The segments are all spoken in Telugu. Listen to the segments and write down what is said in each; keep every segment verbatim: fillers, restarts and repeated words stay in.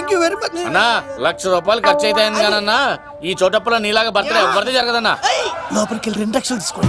థ్యాంక్ యూ వెరీ మచ్ అన్నా. లక్ష రూపాయలు ఖర్చు అయితే అయింది కానన్నా ఈ చోటప్పులో నీలాగా బర్త్డే ఎవరిది జరగదన్నా. లోపలికి వెళ్ళి రెండు లక్షలు తీసుకోండి.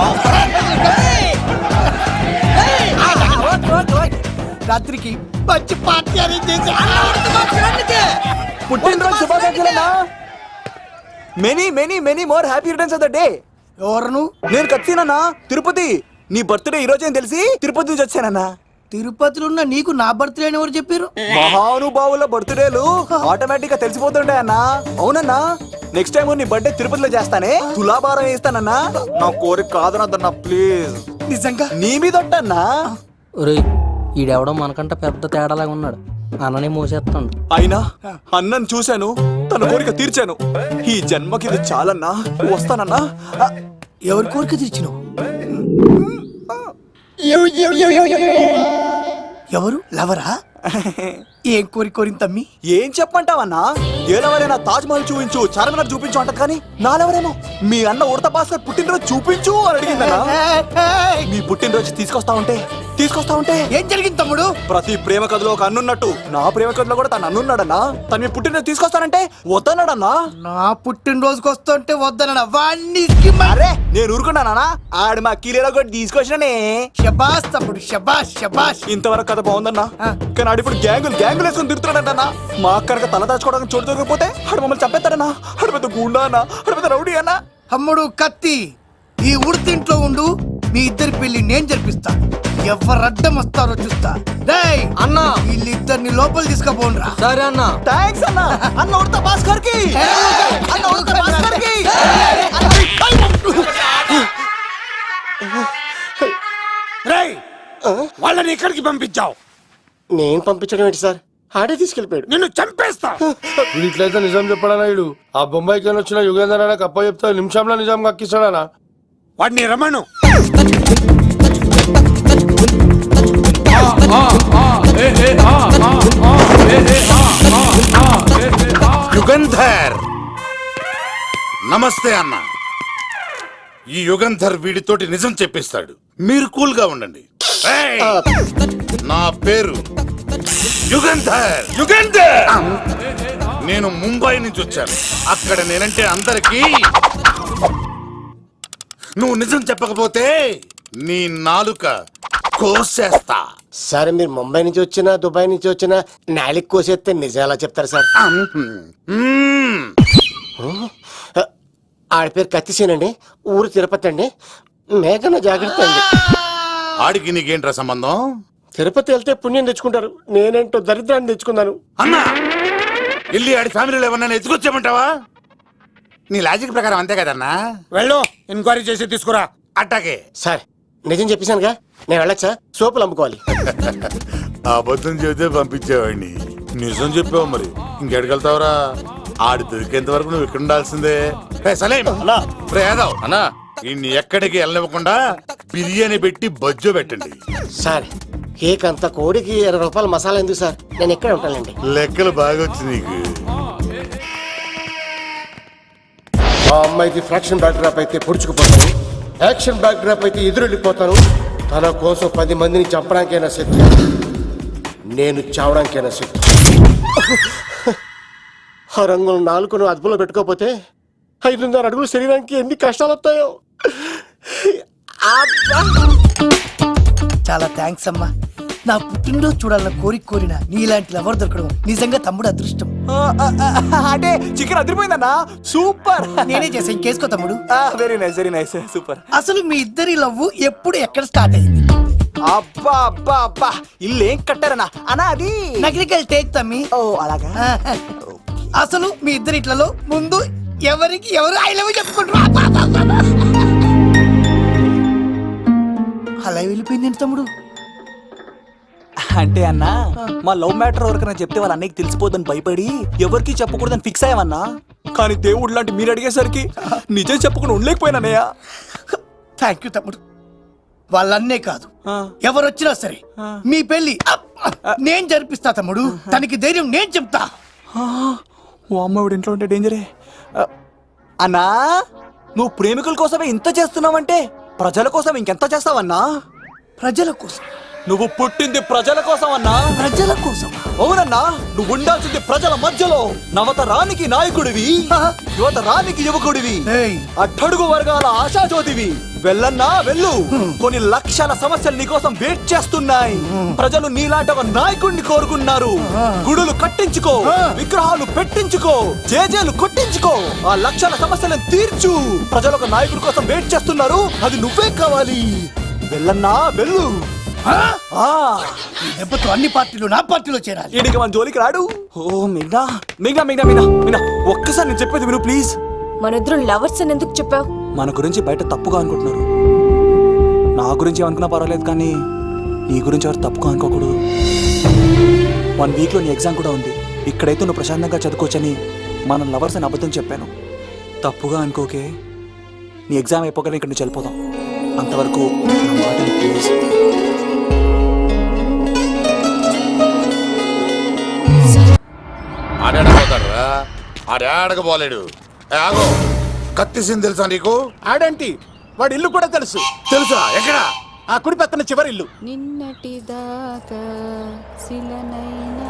రాత్రికి మంచి పార్టీ అరేంజ్ చేసి పుట్టినరోజు శుభాకాంక్షలన్నా. Many many many more happy returns of the day. ఎవరు? నేను కత్తినన్నా, తిరుపతి. నీ బర్త్డే ఈ రోజే తెలిసి తిరుపతి నుంచి వచ్చానన్నా. తిరుపతిలో ఉన్న నీకు నా బర్త్డే అని ఎవరు చెప్పారు? మహానుభావుల బర్త్డేలు ఆటోమేటిక్ గా తెలిసిపోతుంటాయి అన్నా. అవునన్నా, నెక్స్ట్ టైం నీ బర్త్డే తిరుపతిలో చేస్తానే, తులాభారం వేస్తానన్నా. నా కోరిక కాదనద్దన్నా ప్లీజ్. నిజంగా నీ మీద అన్నా. ఒరేయ్, ఈడెవడో మనకంట పెద్ద తేడాలాగా ఉన్నాడు. అన్ననే మోసేస్తాడు. అయినా అన్నను చూశాను, తన కోరిక తీర్చాను. ఈ జన్మకి ఇది చాలన్నా, వస్తానన్నా. ఎవరి కోరిక తీర్చినావు? ఎవరు? లవరా? ఏం కోరి కోరింది తమ్మి? ఏం చెప్పంటావన్నా? ఏలెవరైనా తాజ్ మహల్ చూపించు, చార్మినార్ చూపించు అంట, కానీ నాలెవరేమో మీ అన్న ఉడత భాస్కర్ పుట్టినరోజు చూపించు అని అడిగిందన్నా. మీ పుట్టినరోజు తీసుకొస్తా ఉంటే తీసుకొస్తా ఉంటే ఏం జరిగింది తమ్ముడు? ప్రతి ప్రేమ కథలో ఒక అన్నున్నట్టు నా ప్రేమ కథలో కూడా తను అన్నున్నాడన్నా. తను మీ పుట్టినరోజు తీసుకొస్తానంటే వద్దన్నాడన్నా. నా పుట్టినరోజుకి వస్తుంటే వద్దన వాణ్ణి. అరే నేను ఊరుకున్నానా? ఆడు మా కీలేలో కూడా తీసుకొచ్చిననే. శబాష్ తమ్ముడు, శబాష్ శబాష్. ఇంతవరకు కథ బాగుందన్నా, కానీ ఆడు ఇప్పుడు గ్యాంగులు గ్యాంగులు వేసుకొని తిరుగుతున్నాడన్నా. మా అక్కడికి తల దాచుకోవడానికి చోటు దొరికిపోతే ఆడు మమ్మల్ని చంపేస్తాడన్నా. ఆడు పెద్ద గుండా అన్నా, ఆడు పెద్ద రౌడీ అన్నా. తమ్ముడు కత్తి, ఈ ఉడితింట్లో ఉండు, మీ ఇద్దరి పెళ్లి నేను జరిపిస్తా. ఎవరు అడ్డం వస్తారో చూస్తా. డేయ్ అన్నా, వీళ్ళిద్దరిని లోపల తీసుకుపోండ్రా. సరే అన్నా. థాంక్స్ అన్నా. అన్న ఉడత భాస్కర్ కి, అన్న ఉడత భాస్కర్ కి. రేయ్, వాళ్ళని ఎక్కడికి పంపించావు? నేను పంపించడం ఏంటి సార్, ఆడే తీసుకెళ్ళిపోయాడు. నిన్ను చంపేస్తా. వీడు ఇట్లయితే నిజం చెప్పడానా? వీడు ఆ బొంబాయికి వచ్చిన యుగేందర్ అన్న కప్ప చెప్తా నిమిషంలో నిజం కక్కిస్తాడానా? వాడిని రమణు. యుగంధర్, నమస్తే అన్న. ఈ యుగంధర్ వీడితోటి నిజం చెప్పిస్తాడు, మీరు కూల్ గా ఉండండి. ఏయ్! నా పేరు యుగంధర్. యుగంధర్, నేను ముంబై నుంచి వచ్చాను. అక్కడ నేనంటే అందరికీ. నువ్వు నిజం చెప్పకపోతే నీ నాలుక కోసేస్తా. సరే, మీరు ముంబై నుంచి వచ్చినా దుబాయ్ నుంచి వచ్చినా నాలిక్ కోసేస్తే నిజం ఎలా చెప్తారు సార్? మ్మ్. ఆడి పేరు కత్తిసేనండి, ఊరు తిరుపతి అండి. మేఘన జాగ్రత్త అండి. ఆడికి నీకేంట్రా సంబంధం? తిరుపతి వెళ్తే పుణ్యం తెచ్చుకుంటారు, నేనేంటో దరిద్రాన్ని తెచ్చుకున్నాను. అన్నా, వెళ్ళి ఆడి ఫ్యామిలీలో ఎవరన్నా ఎత్తుకొచ్చామంటావా? నీ లాజిక్ ప్రకారం అంతే కదన్నా. వెళ్ళు, ఎంక్వైరీ చేసి తీసుకురా. అట్టాకే. సార్, నిజం చెప్పేశానుగా, నేను వెళ్ళొచ్చా? సోపులు అమ్ముకోవాలి. అబద్ధం చెబితే పంపించేవాడిని, నిజం చెప్పావు మరి ఇంకెడగలుగుతావురా? ఆడి దొరికేంత వరకు నువ్వు ఇక్కడ ఉండాల్సిందే. సలేం యాదవ్ అన్నా, ఇన్ని ఎక్కడికి వెళ్ళనివ్వకుండా బిర్యానీ పెట్టి బజ్జో పెట్టండి. సార్, కేక్ అంత కోడికి ఇరవై రూపాయలు మసాలా ఎందుకు సార్? నేను ఎక్కడ ఉంటానండి. లెక్కలు బాగా వచ్చి నీకు. ఆ అమ్మాయిది ఫ్రాక్షన్ బ్యాక్ డ్రాప్ అయితే పొడుచుకుపోతాను, యాక్షన్ బ్యాక్ డ్రాప్ అయితే ఎదురెళ్ళిపోతాను. తన కోసం పది మందిని చంపడానికైనా సిద్ధం, నేను చావడానికైనా సిద్ధం. ఆ రంగులు నాలుగును అదుపులో పెట్టుకోకపోతే ఐదున్నర అడుగులు శరీరానికి ఎన్ని కష్టాలు వస్తాయో. చాలా థ్యాంక్స్ అమ్మా. నా పుట్టినరోజు చూడాలన్న కోరిక కోరిన నీలాంటి లవర్ దొరకడం నిజంగా తమ్ముడు అదృష్టం. అంటే చికెన్ అదిరిపోయిందన్నా, సూపర్. నేనే చేసా, ఇంకేసుకో తమ్ముడు. Very nice, very nice, super. అసలు మీ ఇద్దరి లవ్ ఎప్పుడు ఎక్కడ స్టార్ట్ అయింది? అబ్బా అబ్బా అబ్బా, ఇల్లు ఏం కట్టారన్నా అన్నా? అది నగరికల్ టేక్ తమ్మి. ఓ అలాగా. అసలు మీ ఇద్దరి ఇట్లలో ముందు ఎవరికి ఎవరు ఐ లవ్ చెప్పుకుంటారు? అలా వెళ్ళిపోయింది తమ్ముడు. అంటే అన్నా, మా లవ్ మ్యాటర్ ఎవరికైనా చెప్తే వాళ్ళ అన్నయ్యకి తెలిసిపోద్దని భయపడి ఎవరికి చెప్పకూడదని ఫిక్స్ అయ్యామన్నా. కానీ దేవుడు లాంటి మీరు అడిగేసరికి నిజం చెప్పకుండా ఉండలేకపోయినానయ్యా. థ్యాంక్ యూ తమ్ముడు. వాళ్ళన్నే కాదు, ఎవరు వచ్చినా సరే మీ పెళ్లి నేను జరిపిస్తా తమ్ముడు. తనకి ధైర్యం నేను చెప్తా. ఓ అమ్మాయిడు ఇంట్లో ఉంటే డేంజరే. అన్నా, నువ్వు ప్రేమికుల కోసమే ఇంత చేస్తున్నావంటే ప్రజల కోసం ఇంకెంత చేస్తావన్నా? ప్రజల కోసం నువ్వు పుట్టింది ప్రజల కోసం అన్నా. ప్రజల కోసం అవునన్నా, నువ్వు ఉండాల్సింది ప్రజల మధ్యలో. నవతరానికి నాయకుడివి, యువతరానికి యువకుడివి, ఏయ్. అట్టడుగు వర్గాల ఆశాజ్యోతివి. వెళ్ళన్నా వెళ్ళు. కొన్ని లక్షల సమస్యలు నీకోసం వెయిట్ చేస్తున్నాయి. ప్రజలు నీలాంటి ఒక నాయకుడిని కోరుకున్నారు. గుడులు కట్టించుకో, విగ్రహాలు పెట్టించుకో, జేజేలు కొట్టించుకో, ఆ లక్షల సమస్యలను తీర్చు. ప్రజలు ఒక నాయకుడి కోసం వెయిట్ చేస్తున్నారు. అది నువ్వే కావాలి. వెళ్ళన్నా వెళ్ళు. ఆ? ఆ ఈ దెబ్బతో అన్ని పార్టీలు నా పార్టీలో చేరాలి. ఈడికి మన జోలికి రాడు. ఓ మిగ్నా మిగ్నా మిగ్నా మిగ్నా మిగ్నా ఒక్కసారి నేను చెప్పేది విను ప్లీజ్. మన ఇద్దరు లవర్స్ అని ఎందుకు చెప్పావు? మన గురించి బయట తప్పుగా అనుకుంటున్నారు. నా గురించి ఏమనుకున్నా పర్వాలేదు, కానీ నీ గురించి ఎవరు తప్పుగా అనుకోకూడదు. వన్ వీక్లో నీ ఎగ్జామ్ కూడా ఉంది. ఇక్కడైతే నువ్వు ప్రశాంతంగా చదువుకోవచ్చని మన లవర్స్ అని అబద్ధం చెప్పాను. తప్పుగా అనుకోకే. నీ ఎగ్జామ్ అయిపోగానే ఇక్కడ నుంచి వెళ్ళిపోదాం. అంతవరకు నా మాటని ప్లీజ్. ఆడాడపోతాడు రా, ఆడాడకపోలేడు. ఏ, ఆగో, కత్తిసింది తెలుసా నీకు? ఆడంటి వాడి ఇల్లు కూడా తెలుసు. తెలుసా? ఎక్కడ? ఆ కుడి పక్కన చివరి ఇల్లు. నిన్నటి దాకా శిలనైనా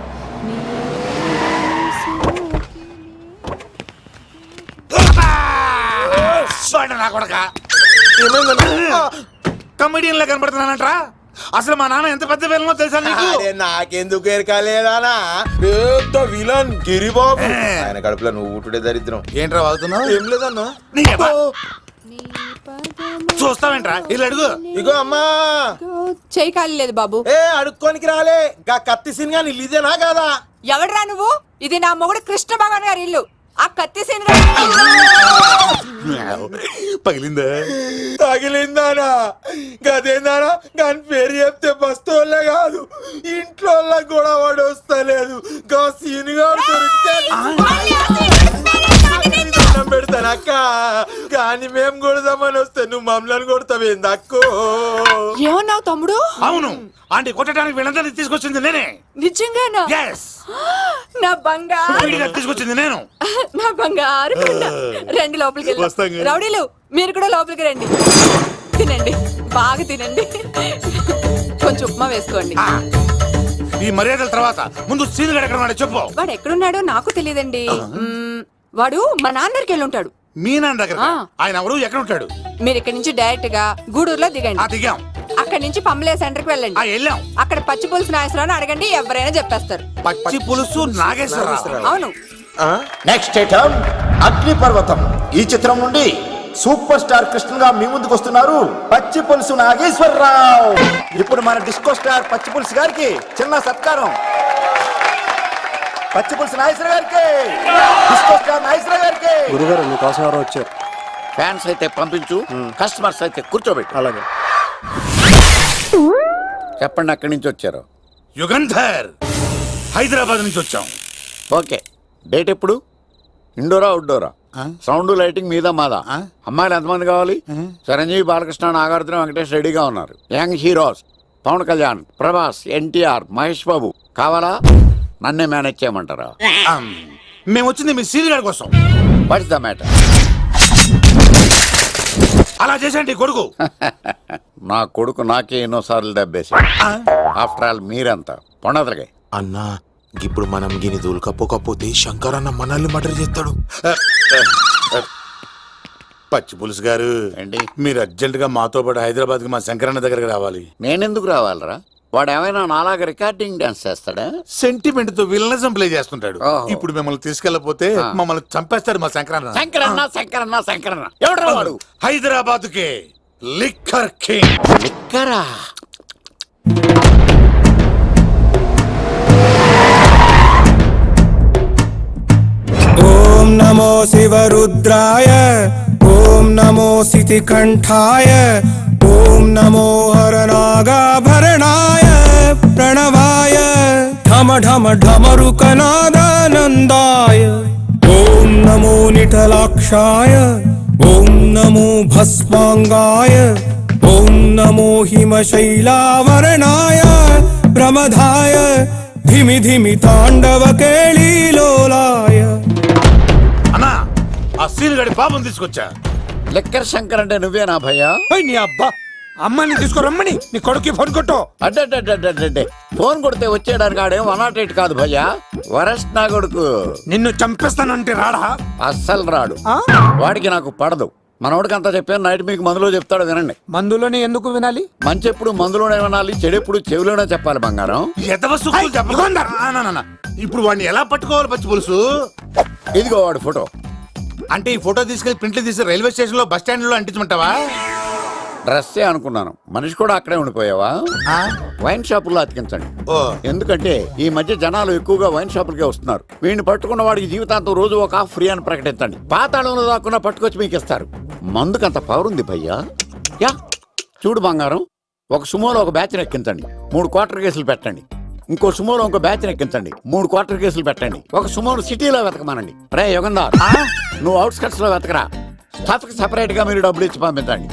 వాడు నా కొడక కమెడియన్ లా కనబడుతున్నానంట్రా. అసలు మా నాన్న ఎంత పెద్ద విలనో తెలుసా నీకు? నాకెందుకు ఎరకాలేదానా? పెద్ద విలన్ గిరిబాబు. ఆయన కడుపులో నువ్వు ఊటుడే దరిద్రం. ఏంట్రా వాగుతున్నావు? ఏం లేదన్నా. నీ అబ్బా. చూస్తావేంట్రా? ఇల్లు అడుగు. ఇగో అమ్మా, చేయి ఖాళీ లేదు బాబు. ఏ అడుక్కోనికి రాలే. గా కత్తి సినిమా ఇల్లు ఇదేనా కాదా? ఎవడ్రా నువ్వు? ఇది నా మొగుడు కృష్ణ భగవాన్ గారి ఇల్లు. ఆ కత్తి సీన్ పగిలిందా? తగిలిందానా? గదేందానా? దాని పేరు చెప్తే బస్తోళ్ళే కాదు, ఇంట్లో కూడా వాడు వస్తలేదు. గా సీనుగా దొరికితే దండం పెడతాను అక్క. కానీ మేము కొడదామని వస్తే నువ్వు మమ్మల్ని కొడతావేంది అక్కో? ఏమన్నావు తమ్ముడు? అవును, ఆంటీ కొట్టడానికి వీళ్ళందరినీ తీసుకొచ్చింది నేనే. నిజంగానా? Yes. నా బంగారు వీడిగా తీసుకొచ్చింది నేను. నా బంగారు కొండ. రండి లోపలికి వస్తాం వెళ్దాం. కానీ. రౌడీలు మీరు కూడా లోపలికి రండి. తినండి, బాగా తినండి. కొంచెం ఉప్మా వేసుకోండి. ఆ, ఈ మర్యాదల తర్వాత ముందు సీన్ గడ ఎక్కడ ఉన్నాడో చెప్పు. వాడు ఎక్కడున్నాడో నాకు తెలియదండి. మ్మ్, వాడు మా నాన్న దగ్గరికి వెళ్ళి ఉంటాడు. మీ నాన్న దగ్గర? ఆ. ఆయన ఎవరు? ఎక్కడ ఉంటాడు? మీరు ఇక్కడ నుంచి డైరెక్ట్ గా గూడూరులో ఆ దిగండి. దిగాం. అక్కడ నుంచి పంబలే సెంటర్ కి ఆ వెళ్ళండి. వెళ్ళాం. అక్కడ పచ్చి పులుసు నాగేశ్వరరావు అడగండి, ఎవరైనా చెప్పేస్తారు. పచ్చి పులుసు నాగేశ్వరరావు. అవును. నెక్స్ట్ ఐటమ్ అగ్నిపర్వతం. ఈ చిత్రం నుండి సూపర్ స్టార్ కృష్ణగా మీ ముందుకు వస్తున్నారు పచ్చి పులుసు నాగేశ్వరరావు. ఇప్పుడు మన డిస్కో స్టార్ పచ్చి పులుసు గారికి చిన్న సత్కారం. పచ్చి పులుసు నాగేశ్వర గారికి, డిస్కో స్టార్ నాగేశ్వర గారికి. గురుగారు మీకోసం ఎవరో వచ్చారు. ఫ్యాన్స్ అయితే పంపించు, కస్టమర్స్ అయితే కూర్చోబెట్టు. అలాగే. చెప్పండి, అక్కడి నుంచి వచ్చారు. యుగంధర్, హైదరాబాద్ నుంచి వచ్చాం. ఓకే, డేట్ ఎప్పుడు? ఇండోరా అవుట్డోరా? సౌండ్ లైటింగ్ మీద మాదా? అమ్మాయిలు ఎంతమంది కావాలి? చిరంజీవి, బాలకృష్ణ, నాగార్జున, వెంకటేష్ రెడీగా ఉన్నారు. యంగ్ హీరోస్ పవన్ కళ్యాణ్, ప్రభాస్, ఎన్టీఆర్, మహేష్ బాబు కావాలా? నన్నే మేనేజ్ చేయమంటారా? మేము వచ్చింది మీ సీన్ గడ కోసం. What's the matter? అలా చేసేయండి కొడుకు. నా కొడుకు నాకే ఎన్నోసార్లు దెబ్బేసి. ఆఫ్టర్ ఆల్ మీరంతా పొండదలకే. అన్నా, ఇప్పుడు మనం గిని దూలకపోకపోతే శంకర్ అన్న మనల్ని మర్డర్ చేస్తాడు. పచ్చి పులుసు గారు, ఏంటి? మీరు అర్జెంట్ గా మాతో పాటు హైదరాబాద్ కి మా శంకరన్న దగ్గరకు రావాలి. నేనెందుకు రావాలరా? వాడు ఏమైనా నాలాగా రికార్డింగ్ డాన్స్ చేస్తాడా? సెంటిమెంట్ తో విలనిజం ప్లే చేస్తుంటాడు. ఓహో. ఇప్పుడు మిమ్మల్ని తీసుకెళ్లపోతే మమ్మల్ని చంపేస్తాడు మా శంకరన్న. శంకరన్న శంకరన్న శంకరన్న ఎవడరా వాడు? హైదరాబాద్ కే లిక్కర్ కింగ్. లిక్కరా? ఓం నమో శివరుద్రాయ, ఓం నమో సితికంఠాయ, ఓం నమో హరనాగాభరణాయ ప్రణవాయ ఢమ ఢమ ఢమరుకనాదానందాయ. ఓం నమో నిఠలాక్షాయ, ఓం నమో భస్మాంగాయ, ఓం నమో హిమశైలావరణాయ ప్రమదాయ ధిమి ధిమి తాండవ కేళీలోలాయ. అన్నా, ఆ సీన్ గడి పాపం తీసుకొచ్చా. లిక్కర్ శంకర్ అంటే నువ్వేనా భయ్యా? నీ అబ్బా, అమ్మాయిని తీసుకురమ్మని నీ కొడుక్కి ఫోన్ కొట్టు. అడ్డే ఫోన్ కొడితే వచ్చేయడానికి ఆడేం వన్ నాట్ ఎయిట్ కాదు భయ్యా, వరస్ట్ నా కొడుకు. నిన్ను చంపేస్తానంటే రాడా? అస్సలు రాడు, వాడికి నాకు పడదు. మనోడికి అంతా చెప్పాను, నైట్ మీకు మందులో చెప్తాడు వినండి. మందులోనే ఎందుకు వినాలి? మంచి ఎప్పుడు మందులోనే వినాలి, చెడు ఎప్పుడు చెవిలోనే చెప్పాలి బంగారం. ఎదవ సుక్కులు చెప్పకుండా. ఆ, నా, నా, నా. ఇప్పుడు వాడిని ఎలా పట్టుకోవాలి పచ్చి పులుసు? ఇదిగో వాడు ఫోటో. అంటే ఈ ఫోటో తీసుకెళ్లి ప్రింట్లు తీసి రైల్వే స్టేషన్ లో బస్ స్టాండ్ లో అంటించమంటావా? డ్రెస్సే అనుకున్నాను, మనిషి కూడా అక్కడే ఉండిపోయావా? వైన్ షాపుల్లో అతికించండి. ఓ ఎందుకంటే ఈ మధ్య జనాలు ఎక్కువగా వైన్ షాపులకే వస్తున్నారు. వీడిని పట్టుకున్న వాడికి జీవితాంతం రోజు ఒక ఆఫ్ ఫ్రీ అని ప్రకటించండి. పాతాళంలో దాక్కున్నా పట్టుకొచ్చి మీకు ఇస్తారు. మందుకంత పవర్ ఉంది భయ్యా. యా చూడు బంగారం, ఒక సుమోలో ఒక బ్యాచ్ ఎక్కించండి, మూడు క్వార్టర్ కేసులు పెట్టండి. ఇంకో సుమోలో ఇంకో బ్యాచ్ ఎక్కించండి, మూడు క్వార్టర్ కేసులు పెట్టండి. ఒక సుమోను సిటీలో వెతకమానండి. రే యుగంధర్, నువ్వు అవుట్స్కట్స్ లో వెతకరా. స్టాఫ్ కి సెపరేట్ గా మీరు డబ్బులు ఇచ్చి పంపించండి.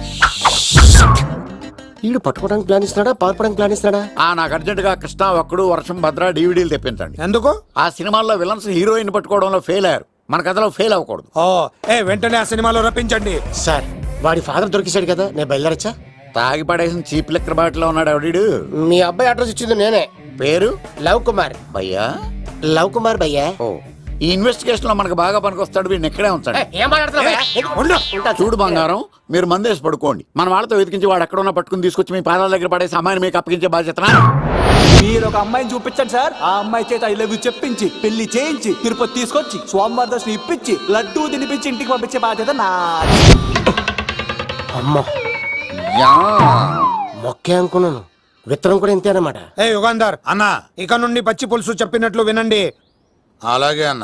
వీడు పట్టుకోవడానికి ప్లాన్ ఇస్తున్నాడా, పారిపోవడానికి ప్లాన్ ఇస్తున్నాడా? ఆ నాకు అర్జెంట్ గా కృష్ణ, ఒక్కడు, వర్షం, భద్ర డీవీడీలు తెప్పించండి. ఎందుకు? ఆ సినిమాల్లో విలన్స్ హీరోయిన్ పట్టుకోవడంలో ఫెయిల్ అయ్యారు, మన కథలో ఫెయిల్ అవ్వకూడదు. ఓ ఏ వెంటనే ఆ సినిమాలో రప్పించండి. సార్ వాడి ఫాదర్ దొరికేశాడు కదా, నేను బయలుదేరచ్చా? తాగి పడేసిన చీప్ లెక్కర్ బాటిలో ఉన్నాడు ఎవడీడు. మీ అబ్బాయి అడ్రస్ ఇచ్చింది నేనే. పేరు లవ్ కుమార్. భయ్యా? లవ్ కుమార్ భయ్యా. ఓ ఈ ఇన్వెస్టిగేషన్ లో మనకు బాగా పనికొస్తాడు, వీడిని ఇక్కడే ఉంచండి. ఏం మాట్లాడుతున్నా? చూడు బంగారం, మీరు మందేసి పడుకోండి. మన వాళ్ళతో వెతికించి వాడు ఎక్కడ ఉన్నా పట్టుకుని తీసుకొచ్చి మీ పాదాల దగ్గర పడేసి అమ్మాయిని మీకు అప్పగించే బాధ్యత. మీరు ఒక అమ్మాయిని చూపించండి సార్, ఆ అమ్మాయి చేత ఐ లవ్ యూ చెప్పించి పెళ్లి చేయించి తిరుపతి తీసుకొచ్చి స్వామివారి దర్శనం ఇప్పించి లడ్డూ తినిపించి ఇంటికి పంపించే బాధ్యత నాది. అమ్మ యా మొక్కే అనుకున్నాను, విత్తనం కూడా ఇంతే అన్నమాట. ఏ యుగాంధర్ అన్నా ఇక నుండి పచ్చి పులుసు చెప్పినట్లు వినండి. అలాగే అన్న.